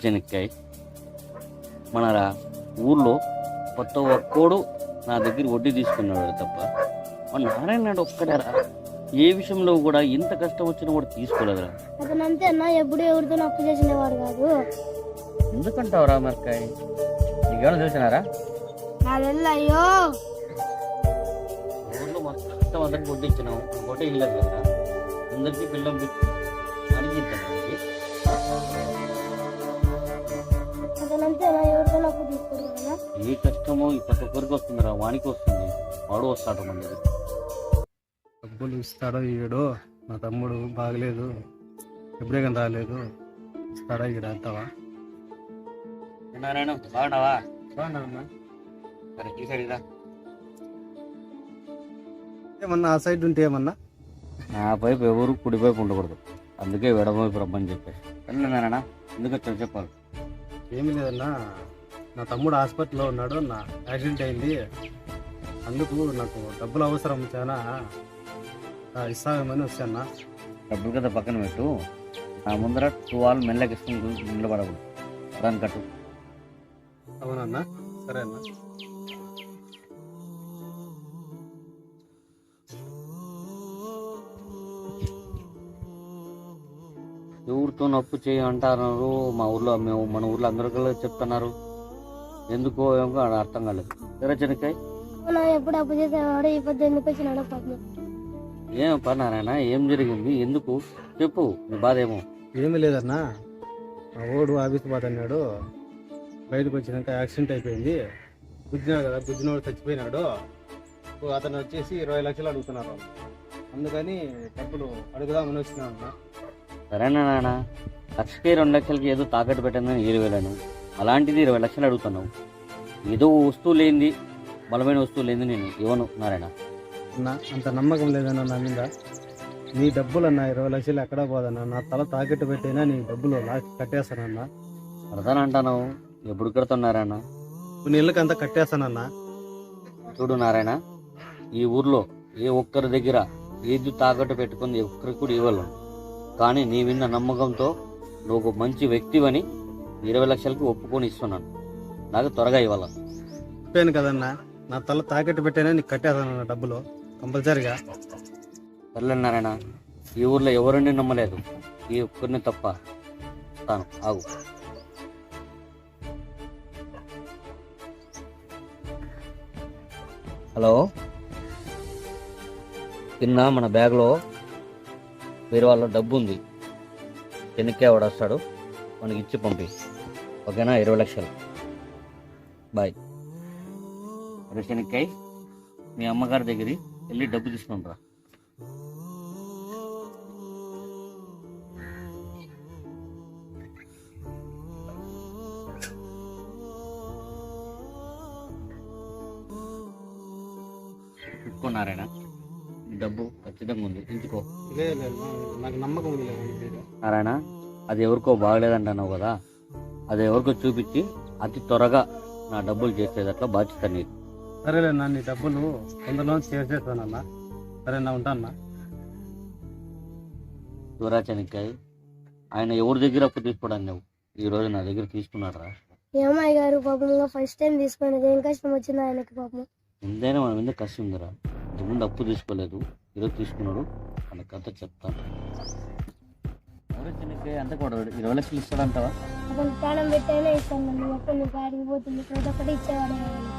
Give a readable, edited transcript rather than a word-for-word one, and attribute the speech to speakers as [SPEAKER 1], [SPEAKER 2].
[SPEAKER 1] చెనక్కాయ మనరా ఊర్లో కొత్త ఒక్కోడు నా దగ్గర వడ్డీ తీసుకున్నాడు తప్ప మన నారాయణ నాయుడు ఒక్కడారా ఏ విషయంలో కూడా ఇంత కష్టం వచ్చినా కూడా తీసుకోలేదురా.
[SPEAKER 2] అతను అంతే అన్న, ఎప్పుడు ఎవరితో అప్పు చేసినవాడు కాదు.
[SPEAKER 1] ఎందుకంటావురా మరకాయ? నీకేమైనా చూసినారా?
[SPEAKER 2] అయ్యో
[SPEAKER 1] ఊర్లో మొత్తం అందరికి వడ్డీ ఇచ్చినావు, ఒకటే ఇల్లదు కదా, అందరికీ పిల్లం అడిగిద్దాం.
[SPEAKER 2] అతను అంతే అన్న, ఎవరితో అప్పు తీసుకోడు కదా.
[SPEAKER 1] ఏ కష్టమో ఈ ప్రతి ఒక్కరికి వస్తుందిరా, వానికి వస్తుంది, వాడు వస్తాడు మన దగ్గర.
[SPEAKER 3] డబ్బులు ఇస్తాడో ఈడో, నా తమ్ముడు బాగలేదు, ఎప్పుడే కానీ రాలేదు, ఇస్తాడా ఈడ అంటావా?
[SPEAKER 1] నారాయణ బాగున్నావా?
[SPEAKER 3] బాగున్నా.
[SPEAKER 1] సరే ఈ సైడ్ రా.
[SPEAKER 3] ఏమన్నా ఆ సైడ్ ఉంటే ఏమన్నా?
[SPEAKER 1] నా వైపు ఎవరు కుడి వైపు ఉండకూడదు, అందుకే ఎడమవైపు రమ్మని చెప్పేసి. సరే నారాయణ, ఎందుకు వచ్చావు చెప్పాలి.
[SPEAKER 3] ఏమీ లేదన్నా, నా తమ్ముడు హాస్పిటల్లో ఉన్నాడు, నా యాక్సిడెంట్ అయింది, అందుకు నాకు డబ్బులు అవసరం చాలా, ఇస్తామని వచ్చానా.
[SPEAKER 1] డబ్బులు కదా పక్కన పెట్టు, నా ముందర 2 వాల్ మెల్లకి ఇస్తుంది నిలబడకూడదు, దాని కట్టు.
[SPEAKER 3] అవునన్నా, సరే అన్నా.
[SPEAKER 1] ఎవరితో అప్పు చేయి అంటారు మా ఊర్లో, మన ఊర్లో అందరికీ చెప్తున్నారు, ఎందుకో ఏమో అర్థం కాలేదు. సరే చెనక్కాయ,
[SPEAKER 2] ఎప్పుడు అప్పు చేసేవాడు, ఈ పొద్దు ఎందుకు వచ్చినాడో పాపం.
[SPEAKER 1] ఏం పన్నారాయణ, ఏం జరిగింది, ఎందుకు చెప్పు, నీ బాధ ఏమో.
[SPEAKER 3] ఏమీ లేదన్నా, మా ఓడు ఆఫీస్ బాధ అన్నాడు, బయటకు వచ్చినాక యాక్సిడెంట్ అయిపోయింది, గుద్దినాడు కదా, గుద్దినోడు చచ్చిపోయినాడు, అతను వచ్చేసి 20 లక్షలు అడుగుతున్నారు, అందుకని డబ్బులు అడుగుదామని వచ్చినాడు అన్న.
[SPEAKER 1] సరేనా నాన్న, లక్షకి 2 లక్షలకి ఏదో తాకట్టు పెట్టిందని 20,000, అలాంటిది 20 లక్షలు అడుగుతున్నావు. ఏదో వస్తువు లేనిది, బలమైన వస్తువు లేనిది నేను ఇవ్వను నారాయణ.
[SPEAKER 3] అన్న అంత నమ్మకం లేదన్నా నా మీద, నీ డబ్బులు అన్న 20 లక్షలు ఎక్కడా పోదన్నా, నా తల తాకట్టు పెట్టైనా నీ డబ్బులు కట్టేస్తానన్నా.
[SPEAKER 1] కడతానంటాను, ఎప్పుడు కడుతున్నారాయణ?
[SPEAKER 3] కొన్ని ఇళ్ళకి అంతా కట్టేస్తానన్నా.
[SPEAKER 1] చూడు నారాయణ, ఈ ఊర్లో ఏ ఒక్కరి దగ్గర ఏది తాకట్టు పెట్టుకుంది ఒక్కరికి కూడా ఇవ్వలేను, కానీ నీ విన్న నమ్మకంతో నువ్వు ఒక మంచి వ్యక్తివని 20 లక్షలకి ఒప్పుకొని ఇస్తున్నాను, నాకు త్వరగా ఇవ్వాల.
[SPEAKER 3] చెప్పాను కదన్నా, నా తల తాకట్టు పెట్టైనా నీకు కట్టేస్తానన్నా డబ్బులు కంపల్సరిగా.
[SPEAKER 1] సర్లేనారాయణ, ఈ ఊర్లో ఎవరిని నమ్మలేదు, ఈ ఒక్కరిని తప్ప. తాను ఆగు. హలో, కింద మన బ్యాగ్లో వేరే వాళ్ళ డబ్బు ఉంది, చెనక్కాయ వాడు వస్తాడు, మనకి ఇచ్చి పంపి, ఓకేనా? 20 లక్షలు. బాయ్. అరే చెనక్కాయ, మీ అమ్మగారి దగ్గర వెళ్ళి డబ్బు తీసుకుని రా. నారాయణ, డబ్బు ఖచ్చితంగా ఉంది, ఇంచుకో.
[SPEAKER 3] నాకు నమ్మకం ఉంది
[SPEAKER 1] నారాయణ, అది ఎవరికో బాగలేదంటున్నావు కదా, అది ఎవరికో చూపించి అతి త్వరగా నా డబ్బులు చేసేదట్లా బాధ్యత నీకు.
[SPEAKER 3] సరేలేనా, నీ డబ్బులు కొందరిలో చేసేస్తానన్నా. సరేనా, ఉంటానా.
[SPEAKER 1] దూరా చెనక్కాయ, ఆయన ఎవరి దగ్గర అప్పు తీసుకోవడానికి నువ్వు ఈ రోజు నా దగ్గర తీసుకున్నాడు రా.
[SPEAKER 2] ఏమయ్య గారు పాపం ఫస్ట్ టైం తీసుకునేది, ఏం కష్టం వచ్చింది ఆయనకి పాపం.
[SPEAKER 1] ఎంతైనా మన మీద కష్టం ఉందిరా, ఇంతకుముందు అప్పు తీసుకోలేదు, ఈరోజు తీసుకున్నాడు, మన కథ చెప్తాను. చెనక్కాయ అంత కూడా 20 లక్షలు ఇస్తాడంటావా?
[SPEAKER 2] అతను ప్రాణం పెట్టైనా ఇస్తాను, అప్పుడు నువ్వు కాడికి పోతుంది, ప్రతి ఒక్కటి ఇచ్చేవాడే.